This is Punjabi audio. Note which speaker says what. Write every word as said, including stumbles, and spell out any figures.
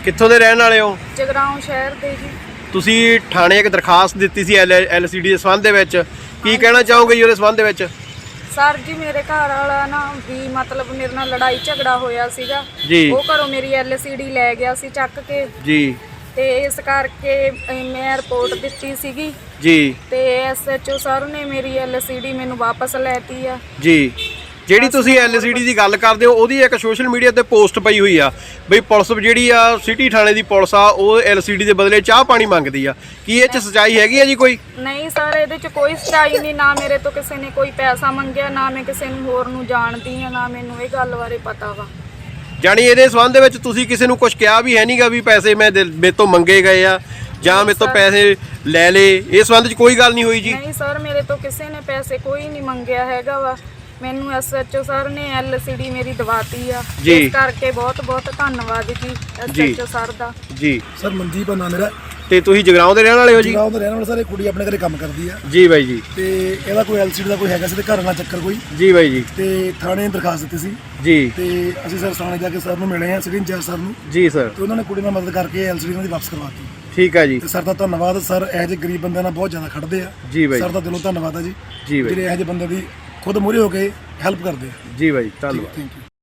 Speaker 1: ਕਿੱਥੋਂ ਦੇ ਰਹਿਣ ਵਾਲੇ ਹੋ?
Speaker 2: ਜਗਰਾਉਂ ਸ਼ਹਿਰ ਦੇ ਜੀ।
Speaker 1: ਤੁਸੀਂ ਥਾਣੇ ਇੱਕ ਦਰਖਾਸਤ ਦਿੱਤੀ ਸੀ ਐਲ ਸੀ ਡੀ ਦੇ ਸੰਬੰਧ ਦੇ ਵਿੱਚ, ਕੀ ਕਹਿਣਾ ਚਾਹੋਗੇ ਜੀ ਉਹਦੇ ਸੰਬੰਧ ਦੇ ਵਿੱਚ?
Speaker 2: ਸਰ ਜੀ ਮੇਰੇ ਘਰ ਵਾਲਾ ਨਾ ਵੀ ਮਤਲਬ ਮੇਰੇ ਨਾਲ ਲੜਾਈ ਝਗੜਾ ਹੋਇਆ ਸੀਗਾ
Speaker 1: ਜੀ।
Speaker 2: ਉਹ ਘਰੋਂ ਮੇਰੀ ਐਲ ਸੀ ਡੀ ਲੈ ਗਿਆ ਸੀ ਚੱਕ ਕੇ
Speaker 1: ਜੀ।
Speaker 2: ਤੇ ਇਸ ਕਰਕੇ ਮੈਂ ਰਿਪੋਰਟ ਦਿੱਤੀ ਸੀਗੀ
Speaker 1: ਜੀ।
Speaker 2: ਤੇ ਐਸ ਐਚ ਓ ਸਰ ਨੇ ਮੇਰੀ ਐਲ ਸੀ ਡੀ ਮੈਨੂੰ ਵਾਪਸ ਲੈਤੀ ਆ
Speaker 1: ਜੀ। ਜਿਹੜੀ ਤੁਸੀਂ ਐਲ ਸੀ ਡੀ ਦੀ ਗੱਲ ਕਰਦੇ ਹੋ ਉਹਦੀ ਇੱਕ ਸੋਸ਼ਲ ਮੀਡੀਆ ਤੇ ਪੋਸਟ ਪਈ ਹੋਈ ਆ ਬਈ ਪੁਲਿਸ ਜਿਹੜੀ ਆ ਸਿਟੀ ਥਾਣੇ ਦੀ ਪੁਲਿਸ ਆ ਉਹ ਐਲ ਸੀ ਡੀ ਦੇ ਬਦਲੇ ਚਾਹ ਪਾਣੀ ਮੰਗਦੀ ਆ, ਕੀ ਇਹ 'ਚ ਸੱਚਾਈ ਹੈਗੀ ਆ ਜੀ ਕੋਈ?
Speaker 2: ਨਹੀਂ ਸਰ, ਇਹਦੇ 'ਚ ਕੋਈ ਸੱਚਾਈ ਨਹੀਂ। ਨਾ ਮੇਰੇ ਤੋਂ ਕਿਸੇ ਨੇ ਕੋਈ ਪੈਸਾ ਮੰਗਿਆ, ਨਾ ਮੈਂ ਕਿਸੇ ਨੂੰ ਹੋਰ ਨੂੰ ਜਾਣਦੀ ਆ, ਨਾ ਮੈਨੂੰ ਇਹ ਗੱਲ ਬਾਰੇ ਪਤਾ ਵਾ।
Speaker 1: ਜਾਣੀ ਇਹਦੇ ਸੰਬੰਧ ਦੇ ਵਿੱਚ ਤੁਸੀਂ ਕਿਸੇ ਨੂੰ ਕੁਝ ਕਿਹਾ ਵੀ ਹੈ ਨਹੀਂਗਾ ਵੀ ਪੈਸੇ ਮੈਂ ਮੇਰੇ ਤੋਂ ਮੰਗੇ ਗਏ ਆ ਜਾਂ ਮੇਰੇ ਤੋਂ ਪੈਸੇ ਲੈ ਲਏ, ਇਸ ਸੰਬੰਧ 'ਚ ਕੋਈ ਗੱਲ ਨਹੀਂ ਹੋਈ ਜੀ?
Speaker 2: ਨਹੀਂ ਸਰ, ਮੇਰੇ ਤੋਂ ਕਿਸੇ ਨੇ ਪੈਸੇ ਕੋਈ ਨਹੀਂ ਮੰਗਿਆ ਹੈਗਾ ਵਾ। ਮੈਨੂੰ ਐਸ ਐਚ ਓ ਸਰ ਨੇ ਐਲ ਸੀ ਡੀ ਮੇਰੀ ਦਵਾਤੀ ਆ, ਇਸ ਕਰਕੇ ਬਹੁਤ ਬਹੁਤ ਧੰਨਵਾਦ ਜੀ ਐਸ ਐਚ ਓ ਸਰ ਦਾ। ਜੀ
Speaker 3: ਸਰ ਮਨਦੀਪ ਆ ਨਾਮ ਮੇਰਾ।
Speaker 1: ਤੇ ਤੁਸੀਂ ਜਗਰਾਉਂ ਦੇ ਰਹਿਣ ਵਾਲੇ ਹੋ ਜੀ?
Speaker 3: ਜਗਰਾਉਂ ਦੇ ਰਹਿਣ ਵਾਲੇ ਸਰ। ਇਹ ਕੁੜੀ ਆਪਣੇ ਘਰੇ ਕੰਮ ਕਰਦੀ ਆ
Speaker 1: ਜੀ ਬਾਈ ਜੀ।
Speaker 3: ਤੇ ਇਹਦਾ ਕੋਈ ਐਲ ਸੀ ਡੀ ਦਾ ਕੋਈ ਹੈਗਾ ਸੀ ਤੇ ਘਰ ਨਾਲ ਚੱਕਰ ਕੋਈ।
Speaker 1: ਜੀ ਬਾਈ ਜੀ।
Speaker 3: ਤੇ ਥਾਣੇ ਦਰਖਾਸਤ ਦਿੱਤੀ ਸੀ
Speaker 1: ਜੀ।
Speaker 3: ਤੇ ਅਸੀਂ ਸਰ ਥਾਣੇ ਜਾ ਕੇ ਸਰ ਨੂੰ ਮਿਲੇ ਆ, ਸਿਟੀ ਇੰਚਾਰਜ ਸਰ ਨੂੰ।
Speaker 1: ਜੀ ਸਰ।
Speaker 3: ਤੇ ਉਹਨਾਂ ਨੇ ਕੁੜੀ ਨਾਲ ਮਦਦ ਕਰਕੇ ਐਲ ਸੀ ਡੀ ਉਹਨਾਂ ਦੀ ਵਾਪਸ ਕਰਵਾਤੀ।
Speaker 1: ਠੀਕ ਹੈ ਜੀ।
Speaker 3: ਤੇ ਸਰ ਦਾ ਧੰਨਵਾਦ। ਸਰ ਇਹੋ ਜਿਹੇ ਗਰੀਬ ਬੰਦਿਆਂ ਨਾਲ ਬਹੁਤ ਜ਼ਿਆਦਾ ਖੜਦੇ ਆ।
Speaker 1: ਜੀ ਬਾਈ।
Speaker 3: ਸਰ ਦਾ ਦਿਲੋਂ ਧੰਨਵਾਦ ਆ ਜੀ,
Speaker 1: ਜੀ ਬਾਈ।
Speaker 3: ਜਿਹੜੇ ਇਹੋ ਜਿਹੇ ਬੰਦੇ ਦੀ ਖੁਦ ਮੂਹਰੇ ਹੋ ਕੇ ਹੈਲਪ ਕਰਦੇ ਆ।
Speaker 1: ਜੀ ਬਾਈ, ਧੰਨਵਾਦ।
Speaker 3: Thank you.